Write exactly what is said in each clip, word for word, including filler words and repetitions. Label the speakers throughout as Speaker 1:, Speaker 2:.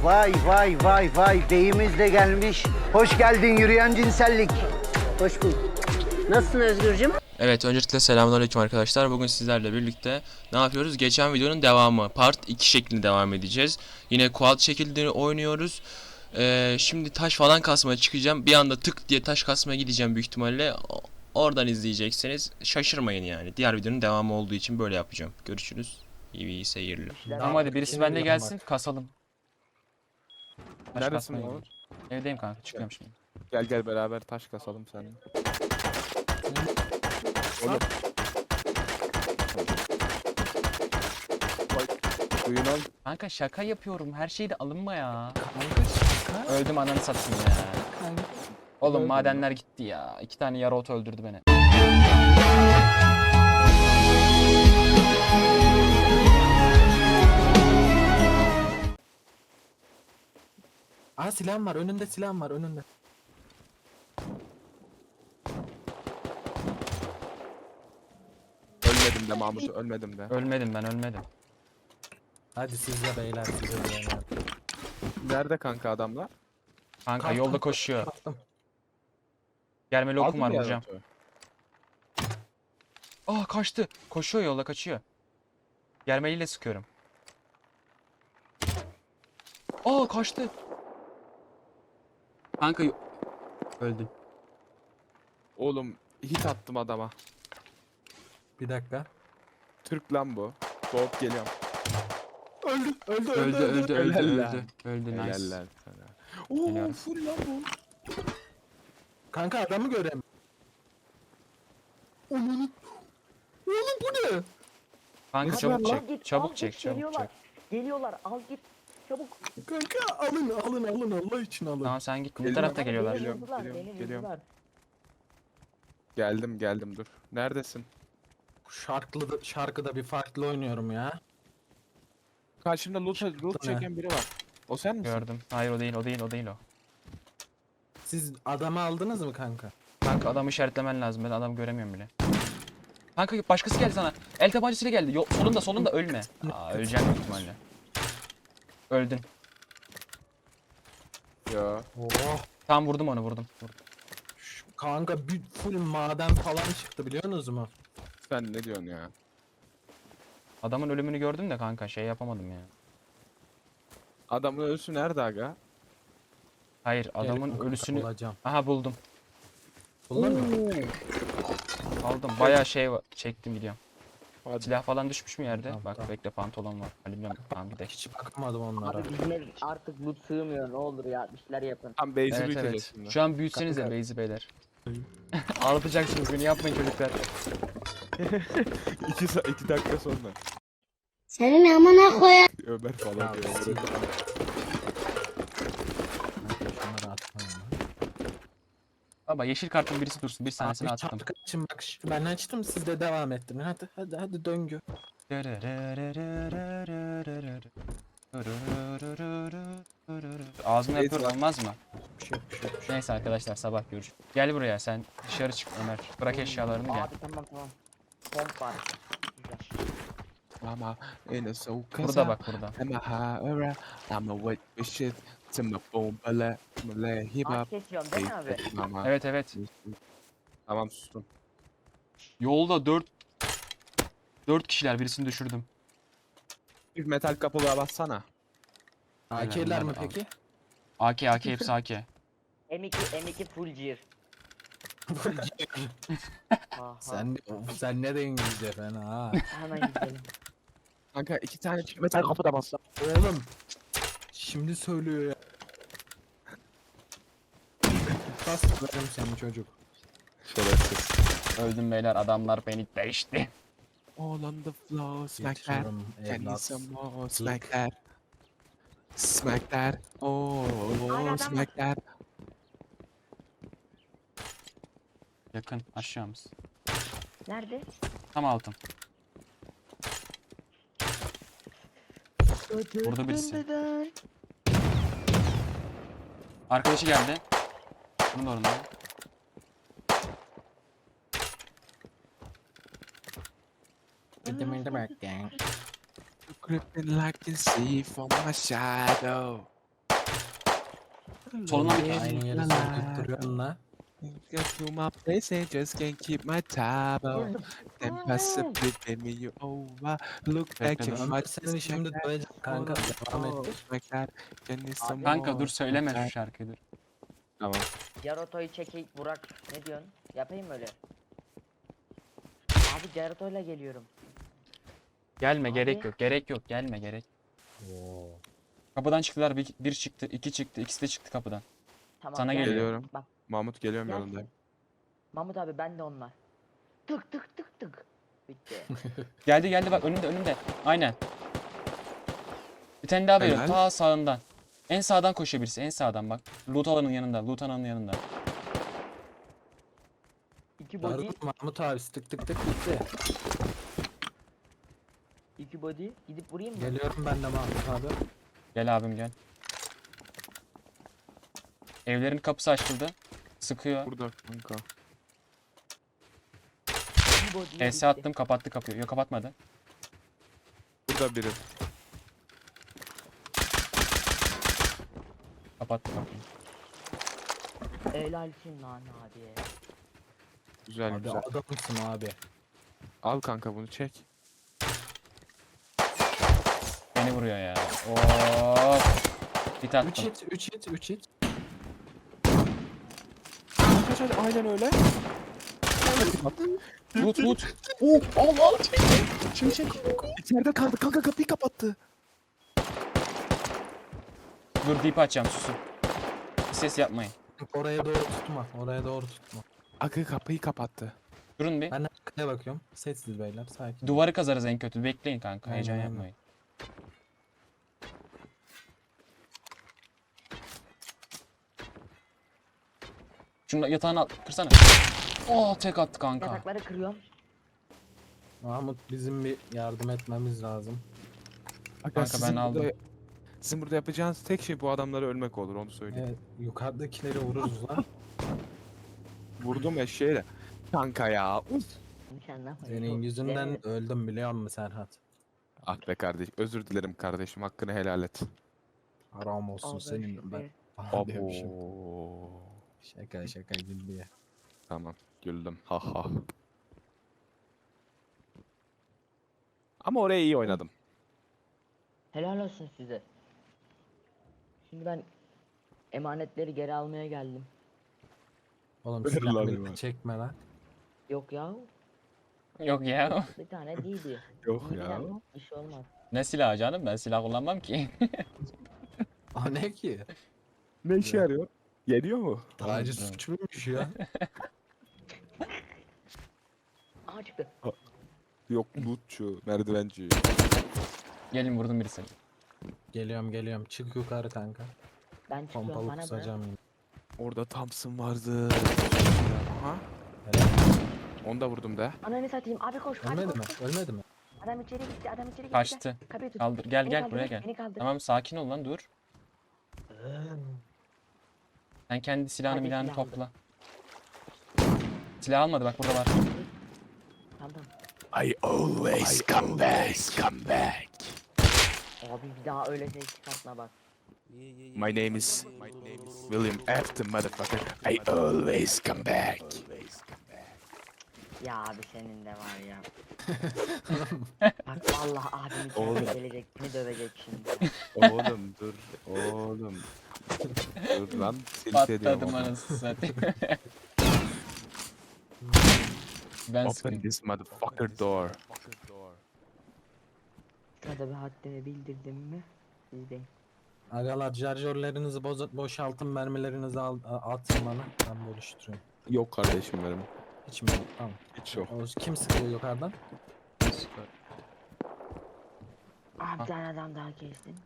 Speaker 1: Vay vay vay vay beyimiz de gelmiş. Hoş geldin yürüyen cinsellik.
Speaker 2: Hoş bulduk. Nasılsın Özgürcüm?
Speaker 3: Evet, öncelikle selamünaleyküm arkadaşlar. Bugün sizlerle birlikte ne yapıyoruz? Geçen videonun devamı, part iki şeklinde devam edeceğiz. Yine quad şekilde oynuyoruz. Ee, şimdi taş falan kasmaya çıkacağım. Bir anda tık diye taş kasmaya gideceğim büyük ihtimalle. Oradan izleyeceksiniz. Şaşırmayın yani. Diğer videonun devamı olduğu için böyle yapacağım. Görüşürüz. İyi, iyi seyirler.
Speaker 4: Tamam hadi birisi bende gelsin kasalım. Taş
Speaker 5: Neredesin
Speaker 4: kasmaya
Speaker 5: oğlum?
Speaker 4: gidiyorum. Evdeyim kanka, çıkıyorum şimdi.
Speaker 5: Gel gel beraber taş kasalım seninle. Oğlum. Bak, suyun al.
Speaker 4: Kanka şaka yapıyorum, her şeyde alınma ya. Öldüm ananı satayım ya. Oğlum
Speaker 5: Öldün
Speaker 4: madenler gitti ya. İki tane yarı ot öldürdü beni.
Speaker 6: Aa silahım var önünde, silahım var önünde.
Speaker 5: Ölmedim de Mahmut, ölmedim de.
Speaker 4: Ölmedim ben, ölmedim.
Speaker 6: Hadi siz de beyler, siz de beyler.
Speaker 5: Nerede kanka adamlar?
Speaker 4: Kanka
Speaker 6: Kalktım,
Speaker 4: yolda koşuyor.
Speaker 6: kalktım.
Speaker 4: Gelmeli okum var,
Speaker 5: Aldın mı
Speaker 4: vuracağım.
Speaker 5: yaratoyu?
Speaker 4: Ah kaçtı. Koşuyor, yolda kaçıyor. Germeliyle sıkıyorum. Aa kaçtı. Kanka yo- öldün.
Speaker 5: Oğlum hit attım adama.
Speaker 6: Bir dakika.
Speaker 5: Türk lan bu. Doğup geliyorum. Öldü, öldü,
Speaker 4: Öldü öldü öldü
Speaker 5: Helal
Speaker 4: öldü.
Speaker 5: lan.
Speaker 4: Öldü nice.
Speaker 5: Helal lan sana. Oo
Speaker 4: Geliyorum.
Speaker 5: full lan bu.
Speaker 6: Kanka adamı göremiyorum. Onun. Oğlum bu ne?
Speaker 4: Kanka
Speaker 5: Nesi
Speaker 4: çabuk
Speaker 5: var lan?
Speaker 4: çek.
Speaker 2: Git, al
Speaker 4: Çabuk
Speaker 2: git,
Speaker 4: çek, çabuk
Speaker 2: geliyorlar.
Speaker 4: çek.
Speaker 2: Geliyorlar, al git. Çabuk.
Speaker 6: Kanka alın alın alın Allah için alın.
Speaker 4: Tamam sen git. Bu
Speaker 5: Geliyorum.
Speaker 4: tarafta geliyorlar.
Speaker 2: Beni
Speaker 5: Geliyorum,
Speaker 2: vurdular,
Speaker 5: geliyorum,
Speaker 2: beni
Speaker 5: geliyorum.
Speaker 2: vurdular.
Speaker 5: Geldim geldim dur. Neredesin?
Speaker 6: Şarkılı şarkıda bir farklı oynuyorum ya.
Speaker 5: Karşımda loot, loot
Speaker 6: ne?
Speaker 5: çeken biri var. O sen misin?
Speaker 4: Gördüm. Hayır o değil, o değil, o değil o.
Speaker 6: Siz adamı aldınız mı kanka?
Speaker 4: Kanka adamı işaretlemen lazım. Ben adamı göremiyorum bile. Kanka başkası geldi sana. El tabancasıyla geldi. Yo, solunda solunda ölme. Aa öleceğim büyük ihtimalle. Öldün.
Speaker 5: Ya.
Speaker 6: Oh.
Speaker 4: Tamam vurdum onu, vurdum. vurdum.
Speaker 6: Şu kanka bir full maden falan çıktı biliyorsunuz mu?
Speaker 5: Sen ne diyorsun ya?
Speaker 4: Adamın ölümünü gördüm de kanka şey yapamadım ya.
Speaker 5: Adamın ölüsü nerede aga?
Speaker 4: Hayır adamın
Speaker 6: Gel kanka,
Speaker 4: ölüsünü...
Speaker 6: bulacağım.
Speaker 4: Aha buldum.
Speaker 6: Buldun mu?
Speaker 4: Aldım. Bayağı şey var. Çektim gidiyorum.
Speaker 5: Hadi.
Speaker 4: Silah falan düşmüş mü yerde?
Speaker 6: Tamam,
Speaker 4: Bak
Speaker 6: tamam.
Speaker 4: bekle pantolon var. Alüminyum. Tamam gidelim.
Speaker 6: Hiç bakamadım onlara.
Speaker 2: Abi bizim ev artık loot sığmıyor, ne olur ya, bir şeyler yapın.
Speaker 5: Tam base'i
Speaker 4: Evet
Speaker 5: büyüteceğiz
Speaker 4: evet.
Speaker 5: şimdi.
Speaker 4: Şu an büyütsenize
Speaker 6: Kanka.
Speaker 4: Beyzi beyler. Ağlatacaksınız beni, yapmayın çocuklar.
Speaker 5: iki, sa- iki dakika sonra.
Speaker 7: Senin amına koyar.
Speaker 5: Ömer falan
Speaker 6: Ya,
Speaker 5: diyor.
Speaker 6: sil. Kanka, şunları atmayın lan.
Speaker 4: Baba yeşil kartın birisi dursun. Bir tanesini
Speaker 6: Abi
Speaker 4: attım.
Speaker 6: çarpı kaçın bak ş- ben açtım siz de devam ettirin hadi hadi hadi döngü.
Speaker 4: Ağzını
Speaker 5: Neyse
Speaker 4: yapıyor
Speaker 5: lan.
Speaker 4: olmaz mı?
Speaker 6: Bir şey yok bir şey yok.
Speaker 4: Neyse arkadaşlar sabah görüşürüz. Gel buraya sen dışarı çık Ömer. Bırak eşyalarını gel.
Speaker 2: Abi tamam tamam. Pomp var. Güzel.
Speaker 5: Mama in a soul
Speaker 4: Burada bak burada.
Speaker 5: I'm a higher, I'm a wet shit. To my phone, bala, mala, hip
Speaker 2: Ağaç
Speaker 5: hop.
Speaker 2: kesiyorsun değil mi abi?
Speaker 5: Mama.
Speaker 4: Evet evet.
Speaker 5: Tamam sustum.
Speaker 4: Yolda dört dört kişiler, birisini düşürdüm.
Speaker 5: Bir metal kapılığa bassana.
Speaker 6: A K'ler mi
Speaker 4: bunlar da
Speaker 6: peki?
Speaker 4: A K A K hepsi A K.
Speaker 2: M iki M iki full gear. Aha,
Speaker 6: sen sen ne de İngilizce fena ha.
Speaker 2: hemen gidelim.
Speaker 5: Kanka iki tane metal kapıda bassa.
Speaker 6: Oğlum şimdi söylüyor ya. Kaslarım seni çocuk.
Speaker 5: Şerefsiz.
Speaker 4: Öldüm beyler, adamlar beni değişti.
Speaker 5: All on the floor, smack that.
Speaker 6: Geçiyorum
Speaker 5: Can you
Speaker 6: evlat.
Speaker 5: some more, smack that. Smack that. Oh,
Speaker 2: adam
Speaker 5: smack that.
Speaker 4: Yakın aşağımız.
Speaker 2: Nerede?
Speaker 4: Tam altın. Burada birisi. Arkadaşı geldi. Bunun orada.
Speaker 6: Gidim gidim bak gang.
Speaker 5: Creeping like you see from my shadow.
Speaker 4: Solundan bir
Speaker 6: Aynı yere sürdürüp duruyorsun la.
Speaker 5: Get to my place and just can't keep my table. Then possibly pay me you over. Look back
Speaker 4: Bekle,
Speaker 5: at
Speaker 6: Ömer
Speaker 5: my
Speaker 6: seni şimdi dövecek kanka. Devam et.
Speaker 5: my God. Can you some
Speaker 4: Kanka
Speaker 5: more?
Speaker 4: dur söyleme şu şarkıyı dur.
Speaker 5: Tamam.
Speaker 2: Yaroto'yu çekeyim Burak. Ne diyorsun? Yapayım mı öyle? Abi Yaroto'yla geliyorum.
Speaker 4: Gelme
Speaker 2: Abi.
Speaker 4: gerek yok gerek yok gelme gerek. Kapıdan çıktılar bir, bir çıktı iki çıktı ikisi de çıktı kapıdan.
Speaker 2: Tamam.
Speaker 4: Sana
Speaker 2: gel.
Speaker 5: geliyorum.
Speaker 2: Bak
Speaker 5: Mahmut geliyorum
Speaker 2: Gel.
Speaker 5: yanındayım.
Speaker 2: Mahmut abi ben de onlar. Tık tık tık tık. Bitti.
Speaker 4: Geldi geldi bak önünde önünde. Aynen. Bir tane daha veriyorum
Speaker 5: Helal.
Speaker 4: ta sağından. En sağdan koşuyor birisi en sağdan bak. Loot alanın yanında loot alanın yanında.
Speaker 2: İki body.
Speaker 6: Darut Mahmut abi tık tık tık gitti.
Speaker 2: İki body. Gidip vurayım mı?
Speaker 6: Geliyorum ben de Mahmut abi.
Speaker 4: Gel abim gel. Evlerin kapısı açıldı. Sıkıyor.
Speaker 5: Burada kanka.
Speaker 2: İki body.
Speaker 4: S attım kapattı kapıyı. Yok kapatmadı.
Speaker 5: Burada biri.
Speaker 4: Kapattı kapıyı.
Speaker 2: Helalsin lan abi.
Speaker 5: Güzel
Speaker 6: Abi
Speaker 5: güzel.
Speaker 6: adamsın abi.
Speaker 5: Al kanka bunu çek.
Speaker 4: Beni vuruyor ya. Of. Hit
Speaker 6: üç
Speaker 4: attım.
Speaker 6: hit üç hit üç hit.
Speaker 5: Kaç hadi aynen öyle.
Speaker 4: Loot loot. Oh Allah.
Speaker 5: Şimdi çek. İçeride kaldı kanka kapıyı kapattı.
Speaker 4: Dur deep açacağım susun. Ses yapmayın.
Speaker 6: Oraya doğru tutma. Oraya doğru tutma.
Speaker 5: Akı kapıyı kapattı.
Speaker 4: Durun bir.
Speaker 6: Ben arkaya bakıyorum. Sessiz beyler sakin.
Speaker 4: Duvarı kazarız en kötü. Bekleyin kanka.
Speaker 6: Aynen,
Speaker 4: Heyecan
Speaker 6: aynen.
Speaker 4: yapmayın. Şunu yatağını al. Kırsana. Oh tek attı kanka.
Speaker 2: Yatakları kırıyorum.
Speaker 6: Mahmut bizim bir yardım etmemiz lazım.
Speaker 5: Aga,
Speaker 4: Kanka,
Speaker 5: sizin
Speaker 4: ben aldım.
Speaker 5: burada- Sizin burada yapacağınız tek şey bu adamları ölmek olur onu söyleyeyim.
Speaker 6: Evet, yukarıdakileri vururuz lan.
Speaker 5: Vurdum eşeğiyle. Kanka ya. Uf.
Speaker 2: Mükemmel.
Speaker 6: Senin yüzünden öldüm biliyor musun Serhat?
Speaker 5: Ah be kardeş. Özür dilerim kardeşim. Hakkını helal et.
Speaker 6: Haram olsun senin ben.
Speaker 5: Abo.
Speaker 6: Diyormuşum. Şaka şaka güldü ya.
Speaker 5: Tamam. Güldüm. Ha ha. Ama oraya iyi oynadım.
Speaker 2: Helal olsun size. Şimdi ben emanetleri geri almaya geldim.
Speaker 6: Oğlum
Speaker 5: Ver
Speaker 6: silah
Speaker 5: lan
Speaker 6: millet
Speaker 5: lan.
Speaker 6: çekme lan.
Speaker 2: Yok ya.
Speaker 4: Yok ya.
Speaker 2: Bir tane değildi.
Speaker 5: Yok
Speaker 2: İyi
Speaker 5: ya.
Speaker 2: bilen bir şey olmaz.
Speaker 4: Ne silahı canım? Ben silah kullanmam ki.
Speaker 6: O ne ki?
Speaker 5: Ne işe yarıyor? Yeniyor mu?
Speaker 6: Tacı suç muymuş ya?
Speaker 2: Aa çıktı.
Speaker 5: Yok lootçu, merdivenci.
Speaker 4: Gelin vurdum birisini.
Speaker 6: Geliyorum geliyorum. Çık yukarı kanka.
Speaker 2: Ben çıkıyorum
Speaker 6: Pompalı
Speaker 2: bana bırak.
Speaker 6: kusacağım yine.
Speaker 5: Orada Thompson vardı. Aha.
Speaker 6: Helal.
Speaker 5: Onu da vurdum da.
Speaker 2: Ananı satayım abi koş abi
Speaker 6: Ölmedi
Speaker 2: koş,
Speaker 6: mi?
Speaker 2: koş.
Speaker 6: Ölmedi mi?
Speaker 2: Adam içeri gitti adam içeri gitti.
Speaker 4: Kaçtı.
Speaker 2: Gel, kapıyı tut.
Speaker 4: Kaldır. Gel
Speaker 2: Beni
Speaker 4: gel
Speaker 2: kaldır,
Speaker 4: buraya gel.
Speaker 2: Beni kaldır.
Speaker 4: Tamam sakin ol lan dur. Sen kendi silahını
Speaker 2: Hadi
Speaker 4: milahını
Speaker 2: silah aldım.
Speaker 4: topla. Silah almadı bak burada var.
Speaker 2: Tamam.
Speaker 5: I always come back, come back.
Speaker 2: Abi bir daha öyle şey çıkartma bak.
Speaker 5: My name is William Afton, motherfucker. I always come back.
Speaker 2: Ya abi senin de var ya. Bak vallahi abim
Speaker 5: Oğlum.
Speaker 2: içeride gelecek beni dövecek şimdi.
Speaker 5: Oğlum dur, oğlum. Dur lan, tilt ediyorum.
Speaker 4: Patladım
Speaker 5: oğlum.
Speaker 4: anasını satayım. Ben
Speaker 5: Open
Speaker 4: sıkıntı.
Speaker 5: this motherfucker door.
Speaker 2: Sırada bir haddini bildirdim mi? Sizdeyim.
Speaker 6: Agalar şarjörlerinizi boz boşaltın mermilerinizi al a- atın bana. Ben bölüştürüyorum.
Speaker 5: Yok kardeşim benim.
Speaker 6: Hiç mi yok? Tamam.
Speaker 5: Hiç yok.
Speaker 6: O, kim sıkıyor yukarıdan?
Speaker 2: Abi bir tane adam daha kestin.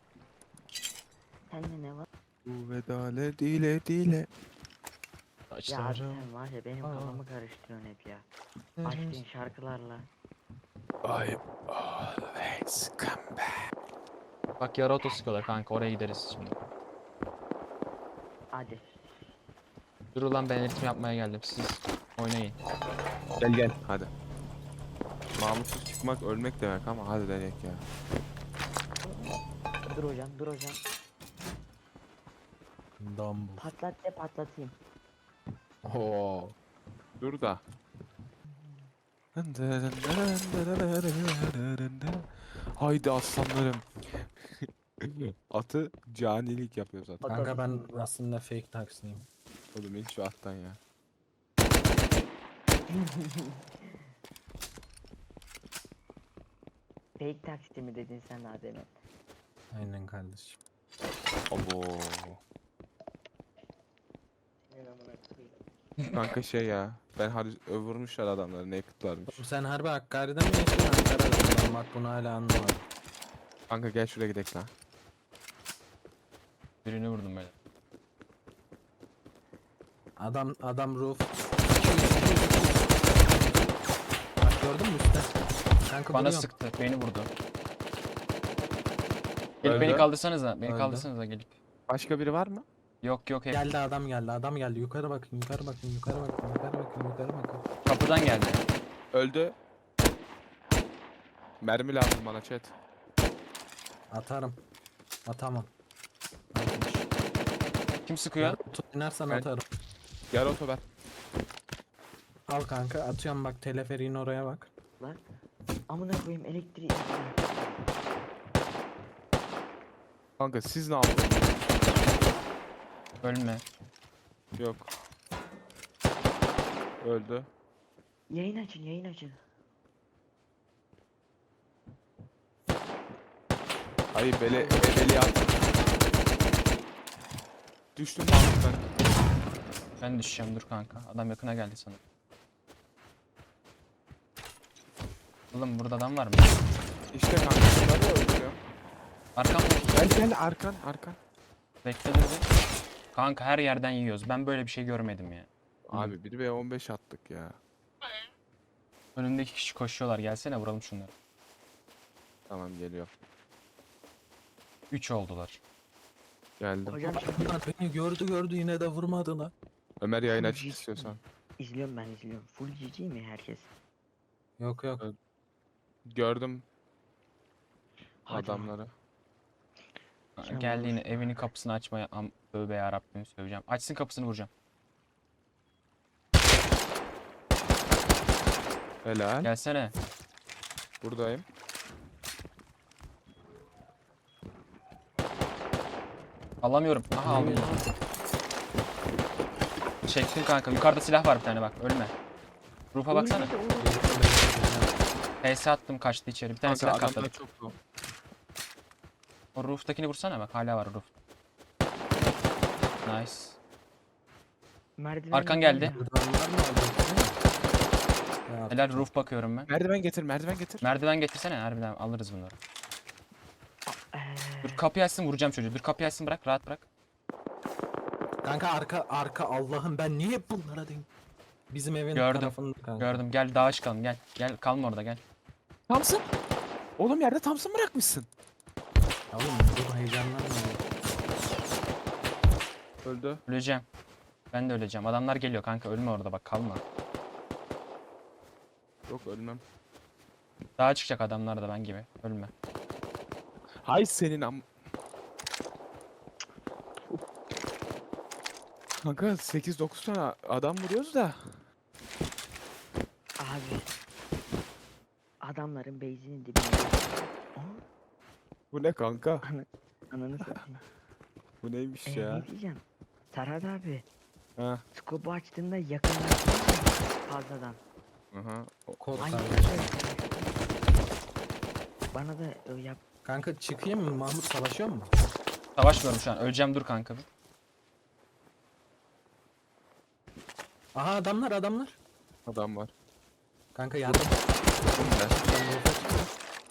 Speaker 2: Sende ne var?
Speaker 5: Bu vedale dile dile.
Speaker 2: Ya abi
Speaker 4: Saçlarım.
Speaker 2: sen var ya benim
Speaker 6: Aa.
Speaker 2: kafamı karıştırıyorsun hep ya. Açtığın şarkılarla.
Speaker 5: I always come back.
Speaker 4: Bak yarı oto sıkıyorlar kanka oraya gideriz şimdi.
Speaker 2: Hadi.
Speaker 4: Dur ulan ben ritim yapmaya geldim siz oynayın.
Speaker 5: Gel gel. Hadi. Mahmutsuz çıkmak ölmek demek ama hadi denek ya.
Speaker 2: Dur hocam dur hocam.
Speaker 6: Dumble.
Speaker 2: Patlat de patlatayım.
Speaker 5: Oo. Dur da. Haydi aslanlarım. Atı canilik yapıyor zaten.
Speaker 6: Kanka ben aslında fake taksiliyim.
Speaker 5: Oğlum hiç şu attan ya.
Speaker 2: Fake taksi mi dedin sen daha demin?
Speaker 6: Aynen kardeşim.
Speaker 5: Abo. Kanka şey ya. Ben hadi vurmuşlar adamları. Naked varmış.
Speaker 6: Oğlum sen harbi Hakkari'den mi geçtin Ankara'dan? Ben bak bunu hala anlamadım.
Speaker 5: Kanka gel şuraya gidelim lan.
Speaker 4: Birini vurdum böyle.
Speaker 6: Adam adam roof. Bak gördün mü üstte? Kanka
Speaker 4: Bana
Speaker 6: vuruyorum.
Speaker 4: sıktı. Beni vurdu. Gelip
Speaker 5: Öldü.
Speaker 4: beni kaldırsanıza. Beni
Speaker 6: Öldü.
Speaker 4: kaldırsanıza gelip.
Speaker 5: Başka biri var mı?
Speaker 4: Yok yok hep
Speaker 6: Geldi adam geldi adam geldi. Yukarı bakın yukarı bakın yukarı bakın yukarı bakın yukarı bakın.
Speaker 4: kapıdan geldi.
Speaker 5: Öldü. Mermi lazım bana chat.
Speaker 6: Atarım. Atamam.
Speaker 4: Kim sıkıyor?
Speaker 6: Tut inersen
Speaker 5: Ben-
Speaker 6: atarım.
Speaker 5: Gel otober.
Speaker 6: Al kanka atıyorum bak teleferiğin oraya bak.
Speaker 2: Lan. Amına koyayım elektriği.
Speaker 5: Kanka siz ne yaptınız?
Speaker 4: Ölme.
Speaker 5: Yok. Öldü.
Speaker 2: Yayın açın yayın açın.
Speaker 5: Hayır bele ebeliyat. Düştüm Mahmut ben.
Speaker 4: Ben düşeceğim dur kanka. Adam yakına geldi sana. Oğlum burada adam var mı?
Speaker 5: İşte kanka bunları öldürüyor.
Speaker 4: Arkamdaki
Speaker 5: Gel gel arkan arkan.
Speaker 4: bekle dur bir. Kanka her yerden yiyoruz. Ben böyle bir şey görmedim ya.
Speaker 5: Abi bir ve on beş attık ya.
Speaker 4: Önümdeki kişi koşuyorlar. Gelsene vuralım şunları.
Speaker 5: Tamam geliyor.
Speaker 4: üç oldular.
Speaker 5: Geldim.
Speaker 2: Hocam
Speaker 6: Bunlar beni gördü gördü yine de vurmadı lan.
Speaker 5: Ömer yayın aç
Speaker 2: Full G-
Speaker 5: istiyorsan.
Speaker 2: izliyorum ben izliyorum. Full G G mi herkes?
Speaker 6: Yok yok.
Speaker 5: Gördüm
Speaker 2: Hadi lan.
Speaker 5: adamları.
Speaker 2: Sen
Speaker 4: Geldi yine
Speaker 2: vurursun.
Speaker 4: evini kapısını açmaya am tövbe yarabbim söyleyeceğim. Açsın kapısını vuracağım.
Speaker 5: Helal.
Speaker 4: Gelsene.
Speaker 5: Buradayım.
Speaker 4: Alamıyorum. Aha aldım. Çektim kanka. Yukarıda silah var bir tane bak. Ölme. Rufa baksana. P S attım kaçtı içeri. Bir tane
Speaker 5: Kanka
Speaker 4: silah
Speaker 5: adamlar
Speaker 4: katladık.
Speaker 5: çok zor.
Speaker 4: O roof'takini vursana bak. Hala var roof. Nice.
Speaker 2: Merdiven
Speaker 4: Arkan geldi.
Speaker 6: Buradan var mı alacaksın? Ya,
Speaker 4: Helal roof bakıyorum ben.
Speaker 5: Merdiven getir merdiven getir.
Speaker 4: Merdiven getirsene harbiden alırız bunları.
Speaker 2: Eee,
Speaker 4: Dur kapıyı açsın vuracağım çocuğu. Dur kapıyı açsın bırak rahat bırak.
Speaker 6: Kanka arka arka Allah'ım ben niye hep bunlara denk? Bizim evin
Speaker 4: Gördüm,
Speaker 6: tarafında kanka.
Speaker 4: Gördüm gel dağa çıkalım gel. Gel kalma orada gel.
Speaker 5: Thompson. Oğlum yerde Thompson bırakmışsın.
Speaker 6: Oğlum bu heyecanlanma.
Speaker 5: Öldü.
Speaker 4: Öleceğim. Ben de öleceğim. Adamlar geliyor kanka ölme orada bak kalma.
Speaker 5: Yok ölmem.
Speaker 4: Dağa çıkacak adamlar da ben gibi. Ölme.
Speaker 5: Hay senin am... Kanka sekiz dokuz tane adam vuruyoruz da.
Speaker 2: abi. Adamların base'inin dibinde. Aa,
Speaker 5: Bu ne kanka?
Speaker 2: ananı satayım.
Speaker 5: Bu neymiş
Speaker 2: Ee,
Speaker 5: ya?
Speaker 2: ne diyeceğim? Serhat abi.
Speaker 5: Ha.
Speaker 2: Skopu açtığında yakınlaştın fazladan.
Speaker 5: Aha. O-
Speaker 6: Kod
Speaker 2: Aynı
Speaker 6: kanka.
Speaker 2: şey. Bana da e, yap.
Speaker 6: Kanka çıkayım mı Mahmut savaşıyor mu?
Speaker 4: Savaşmıyorum şu an. Öleceğim dur kanka. bir.
Speaker 6: Aha adamlar adamlar.
Speaker 5: Adam var.
Speaker 6: Kanka yardım.
Speaker 5: Bu ne?
Speaker 6: Ben roof'a çıkıyorum.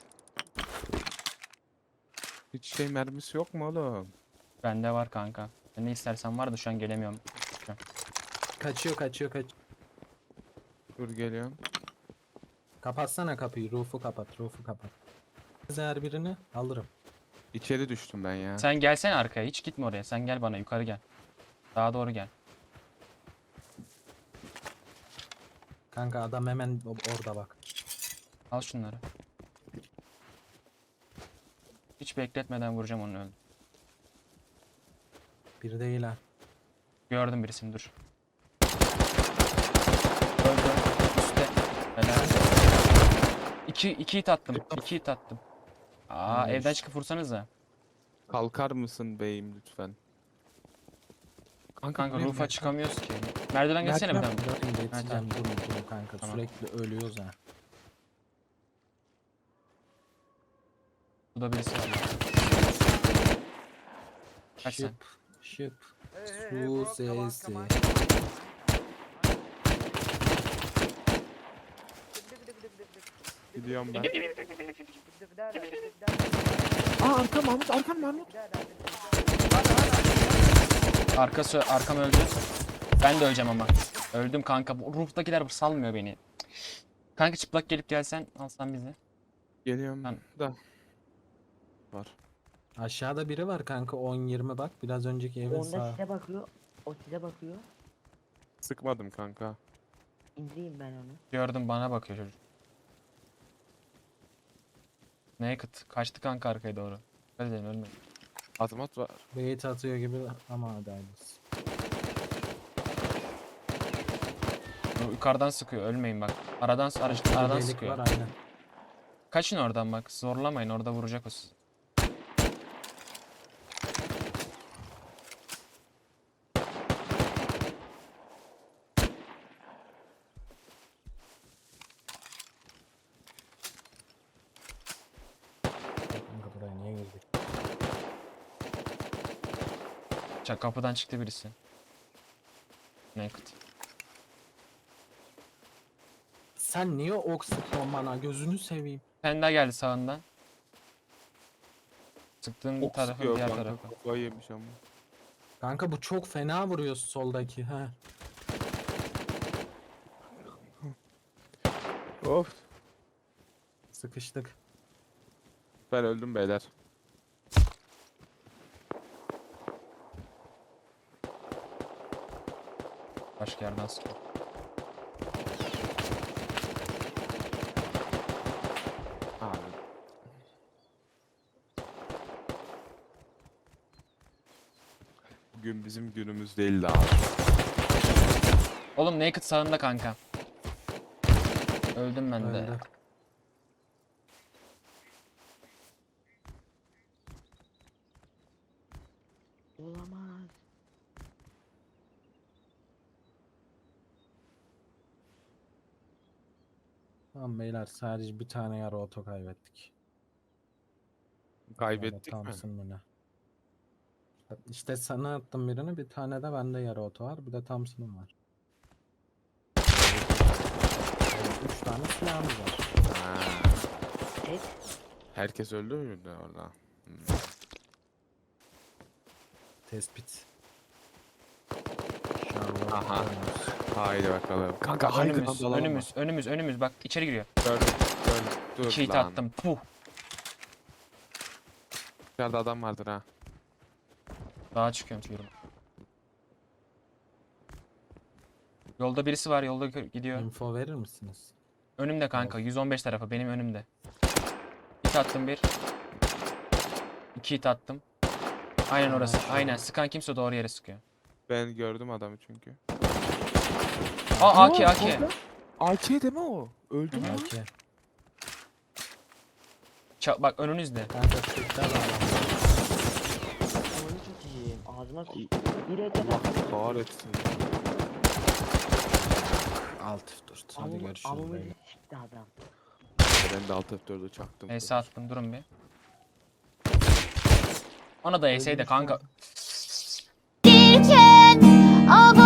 Speaker 5: Hiç şey mermisi yok mu oğlum?
Speaker 4: Bende var kanka. Ben ne istersen var da şu an gelemiyorum.
Speaker 6: Kaçıyor kaçıyor kaç.
Speaker 5: Dur geliyorum.
Speaker 6: Kapatsana kapıyı. Roof'u kapat. Roof'u kapat. Her birini alırım.
Speaker 5: İçeri düştüm ben ya.
Speaker 4: Sen gelsene arkaya. Hiç gitme oraya. Sen gel bana yukarı gel. Daha doğru gel.
Speaker 6: Kanka adam hemen o- orada bak.
Speaker 4: Al şunları. Hiç bekletmeden vuracağım onu öldü.
Speaker 6: Bir değil ha.
Speaker 4: Gördüm birisini dur. Öldü. Üstte. Helal. İki, iki hit attım. İki hit attım. Aa
Speaker 6: Nice.
Speaker 4: evden çıkıp vursanıza.
Speaker 5: Kalkar mısın beyim lütfen?
Speaker 4: Kanka
Speaker 5: buraya
Speaker 4: roof'a
Speaker 5: gel.
Speaker 4: çıkamıyoruz ki. Merdiven geçsene bir
Speaker 5: Merdiven-
Speaker 4: daha.
Speaker 6: Durun geçeceğim
Speaker 4: tamam.
Speaker 6: durun durun kanka
Speaker 4: Tamam.
Speaker 6: sürekli ölüyoruz ha.
Speaker 4: Burada birisi var. Kaç sen?
Speaker 6: Şıp şıp. Su sesi.
Speaker 5: Gidiyorum ben. Aa arkam Mahmut, arkam Mahmut.
Speaker 4: Arkası arkam öldü. Ben de öleceğim ama. Öldüm kanka. Bu roof'takiler salmıyor beni. Kanka çıplak gelip gelsen alsan bizi.
Speaker 5: Geliyorum
Speaker 4: Ben-
Speaker 5: da. Var.
Speaker 6: Aşağıda biri var kanka on yirmi bak. Biraz önceki evin
Speaker 2: Onda
Speaker 6: sağ.
Speaker 2: size bakıyor. O size bakıyor.
Speaker 5: Sıkmadım kanka.
Speaker 2: İndireyim ben onu.
Speaker 4: Gördüm bana bakıyor çocuk. Naked. Kaçtı kanka arkaya doğru. Hadi dedim ölme.
Speaker 5: Azmat var.
Speaker 6: Bait atıyor gibi ama hadi hayırlısı.
Speaker 4: Bu yukarıdan sıkıyor. Ölmeyin bak. Aradan araç,
Speaker 6: Bir
Speaker 4: aradan
Speaker 6: delik
Speaker 4: sıkıyor.
Speaker 6: var aynen.
Speaker 4: Kaçın oradan bak. Zorlamayın. Orada vuracak o sizi.
Speaker 6: Kanka buraya niye girdik?
Speaker 4: Çak kapıdan çıktı birisi. Naked.
Speaker 6: Sen niye ok sıkıyorsun bana gözünü seveyim.
Speaker 4: Sen daha geldi sağından. Sıktığın
Speaker 5: Ok
Speaker 4: tarafın
Speaker 5: sıkıyor
Speaker 4: diğer
Speaker 5: kanka.
Speaker 4: tarafı.
Speaker 5: Kafayı yemiş ama.
Speaker 6: Kanka bu çok fena vuruyor soldaki ha.
Speaker 5: Of.
Speaker 6: Sıkıştık.
Speaker 5: Ben öldüm beyler.
Speaker 4: Başka yerden sıkıyor.
Speaker 5: Abi. Bugün bizim günümüz değildi abi.
Speaker 4: Oğlum Naked sağında kanka. Öldüm ben de.
Speaker 6: Öldü.
Speaker 2: Olamaz.
Speaker 6: Tamam beyler sadece bir tane yarı oto kaybettik.
Speaker 5: Kaybettik
Speaker 6: Ya da
Speaker 5: mi?
Speaker 6: Thompson mı ne? İşte sana attım birini bir tane de bende yarı oto var bir de Thompson'ım var. Yani üç tane silahımız var.
Speaker 5: Ha.
Speaker 2: Tek.
Speaker 5: Herkes öldü mü orada? Hmm.
Speaker 6: Tespit. Sherlock
Speaker 5: Aha.
Speaker 6: Holmes.
Speaker 5: Haydi bakalım. Kanka
Speaker 4: Önümüz,
Speaker 5: arkadan dalalım
Speaker 4: önümüz, önümüz, önümüz. Bak içeri giriyor.
Speaker 5: mı? Gördüm. Gördüm. Dur
Speaker 4: İki hit
Speaker 5: lan.
Speaker 4: attım. Puh.
Speaker 5: Dışarıda adam vardır ha.
Speaker 4: Dağa çıkıyorum çıkıyorum. Yolda birisi var. Yolda gö- gidiyor.
Speaker 6: Info verir misiniz?
Speaker 4: Önümde kanka. yüz on beş tarafı. Benim önümde. Hit attım bir. İki hit attım. Aynen
Speaker 6: Ha,
Speaker 4: orası.
Speaker 6: şurada.
Speaker 4: Aynen. Sıkan kimse doğru yere sıkıyor.
Speaker 5: Ben gördüm adamı çünkü.
Speaker 4: Aa A K A K.
Speaker 5: A K deme o. Öldü mü?
Speaker 6: Belki.
Speaker 4: Ça- bak önünüzde.
Speaker 6: Kanka çıktı adam.
Speaker 2: Oyunu çok iyiyim. Ağzıma s- bir ete
Speaker 5: Allah kahretsin.
Speaker 6: Alt dur. Hadi görüşürüz
Speaker 2: Amımı
Speaker 6: beyler.
Speaker 2: sikti adam.
Speaker 5: Ben de alt F dördü çaktım.
Speaker 4: Neyse attım. Durun bir. Ona da yeseydi kanka.
Speaker 7: Derken,